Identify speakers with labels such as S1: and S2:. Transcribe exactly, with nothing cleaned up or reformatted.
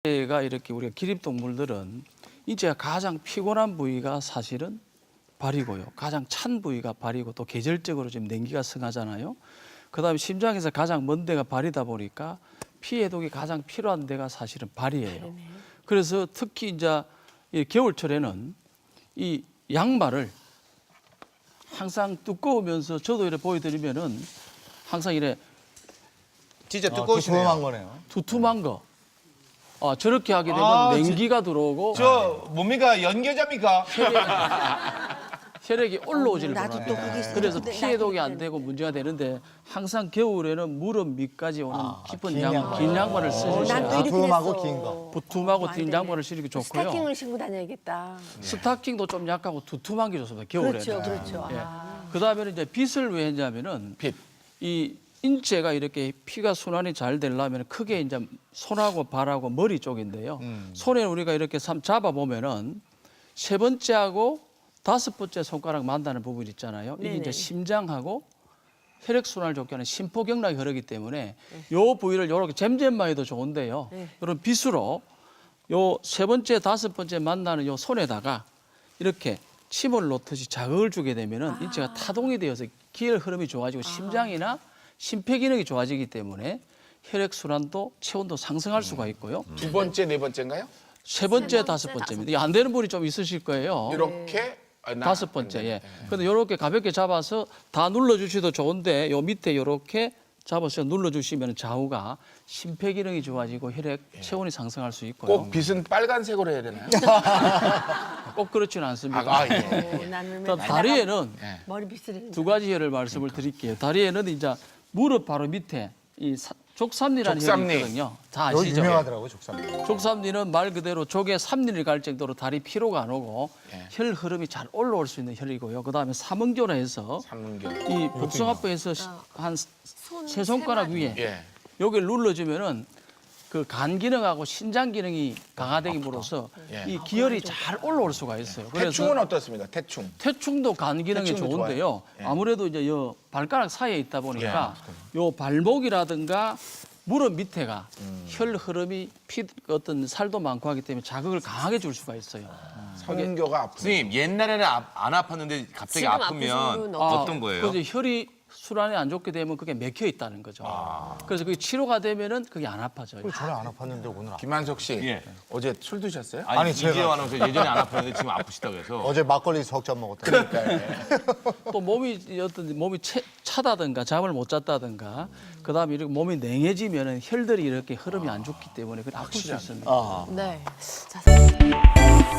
S1: 인체가 이렇게 우리가 기립동물들은 인체가 가장 피곤한 부위가 사실은 발이고요. 가장 찬 부위가 발이고 또 계절적으로 지금 냉기가 승하잖아요. 그다음에 심장에서 가장 먼 데가 발이다 보니까 피 해독이 가장 필요한 데가 사실은 발이에요. 그래서 특히 이제 이 겨울철에는 이 양말을 항상 두꺼우면서 저도 이렇게 보여드리면은 항상 이래
S2: 진짜 두꺼우시네요.
S3: 두툼한 거네요.
S1: 두툼한 거. 아, 저렇게 하게 되면
S2: 아,
S1: 냉기가 들어오고
S2: 저 뭡니까 연결자입니까?
S1: 혈액이 올라오질
S4: 나도
S1: 못해요.
S4: 또 그게 있어요.
S1: 그래서
S4: 근데
S1: 피
S4: 나도
S1: 해독이 안
S4: 그랬는데.
S1: 되고 문제가 되는데 항상 겨울에는 무릎 밑까지 오는 깊은
S3: 긴
S1: 양,
S3: 양말.
S1: 긴 양말을
S4: 난
S1: 쓰시면
S4: 또 이렇게
S3: 두툼하고
S4: 됐어.
S3: 긴 거.
S1: 부툼하고
S4: 안
S1: 긴
S4: 되네.
S1: 양말을 신기 좋고요.
S4: 스타킹을 신고 다녀야겠다.
S1: 스타킹도 좀 약하고 두툼한 게 좋습니다. 겨울에는.
S4: 그렇죠, 그렇죠.
S1: 예.
S4: 아.
S1: 그다음에는 이제 빗을 왜 했냐면은
S2: 빗.
S1: 이 인체가 이렇게 피가 순환이 잘 되려면 크게 이제 손하고 발하고 머리 쪽인데요.
S2: 음.
S1: 손에 우리가 이렇게 삼- 잡아 보면은 세 번째하고 다섯 번째 손가락 만나는 부분 있잖아요. 이게
S4: 네네.
S1: 이제 심장하고 혈액 순환을 좋게 하는 심포경락이 흐르기 때문에 요 부위를 이렇게 잼잼만 해도 좋은데요.
S4: 네.
S1: 이런 빗으로 요 세 번째, 다섯 번째 만나는 요 손에다가 이렇게 침을 놓듯이 자극을 주게 되면은
S4: 아.
S1: 인체가 타동이 되어서 기혈 흐름이 좋아지고 심장이나 심폐 기능이 좋아지기 때문에 혈액 순환도 체온도 상승할 수가 있고요.
S2: 두 번째 네 번째인가요?
S1: 세 번째, 다섯 번째입니다. 이게 안 되는 분이 좀 있으실 거예요.
S2: 이렇게 아, 나-
S1: 다섯 번째. 예. 근데 이렇게 가볍게 잡아서 다 눌러주셔도 좋은데 요 밑에 이렇게 잡아서 눌러주시면 좌우가 심폐 기능이 좋아지고 혈액 체온이 상승할 수 있고요.
S2: 꼭 빗은 빨간색으로 해야 되나요?
S1: 꼭 그렇지는 않습니다.
S2: 아, 아 예.
S4: 어, 나는
S1: 또
S4: 맨날
S1: 다리에는
S2: 예.
S4: 머리 빗을
S1: 두 가지 혈을 말씀을 드릴게요. 다리에는 이제 무릎 바로 밑에 이 사- 족삼리라는
S2: 족삼리.
S1: 혈이 있거든요. 다
S3: 여기
S1: 아시죠?
S3: 유명하더라고요, 족삼.
S1: 족삼리는 말 그대로 족의 삼리를 갈 정도로 다리 피로가 안 오고
S2: 예.
S1: 혈 흐름이 잘 올라올 수 있는 혈이고요. 그다음에 삼음교라 해서
S2: 삼문경.
S1: 이 복숭아뼈에서 한 세 손가락 위에
S2: 예.
S1: 여기를 눌러주면은 그 간 기능하고 신장 기능이 강화되기로써
S2: 예.
S1: 이 기혈이 잘 올라올 수가 있어요.
S2: 태충은 어떻습니까? 태충.
S1: 태충도 간 기능이
S2: 태충도
S1: 좋은데요.
S2: 좋아요. 예.
S1: 아무래도 이제 요 발가락 사이에 있다 보니까 요 발목이라든가 무릎 밑에가
S2: 음.
S1: 혈 흐름이 피 어떤 살도 많고 하기 때문에 자극을 강하게 줄 수가 있어요.
S2: 성교가 아프.
S5: 선생님 옛날에는 아- 안 아팠는데 갑자기
S4: 지금 아프신
S5: 아프면
S4: 분은
S5: 어떤 거예요?
S1: 그래서 혈이 순환이 안 좋게 되면 그게 맥혀 있다는 거죠. 그래서 그게 치료가 되면은 그게 안 아파져요.
S3: 전에 안 아팠는데 오늘 아파.
S2: 김한석 씨
S5: 예.
S2: 어제 술 드셨어요?
S5: 아니,
S3: 아니, 제가-
S5: 이재호 아나운서 예전에 안 아팠는데 지금 아프시다고 해서
S3: 어제 막걸리 석 잔 먹었다.
S1: 또 몸이 어떤 몸이 채, 차다든가 잠을 못 잤다든가 그다음에 이렇게 몸이 냉해지면은 혈들이 이렇게 흐름이 안 좋기 때문에 그게 아플 수 있습니다.
S3: 아.
S4: 네. 자,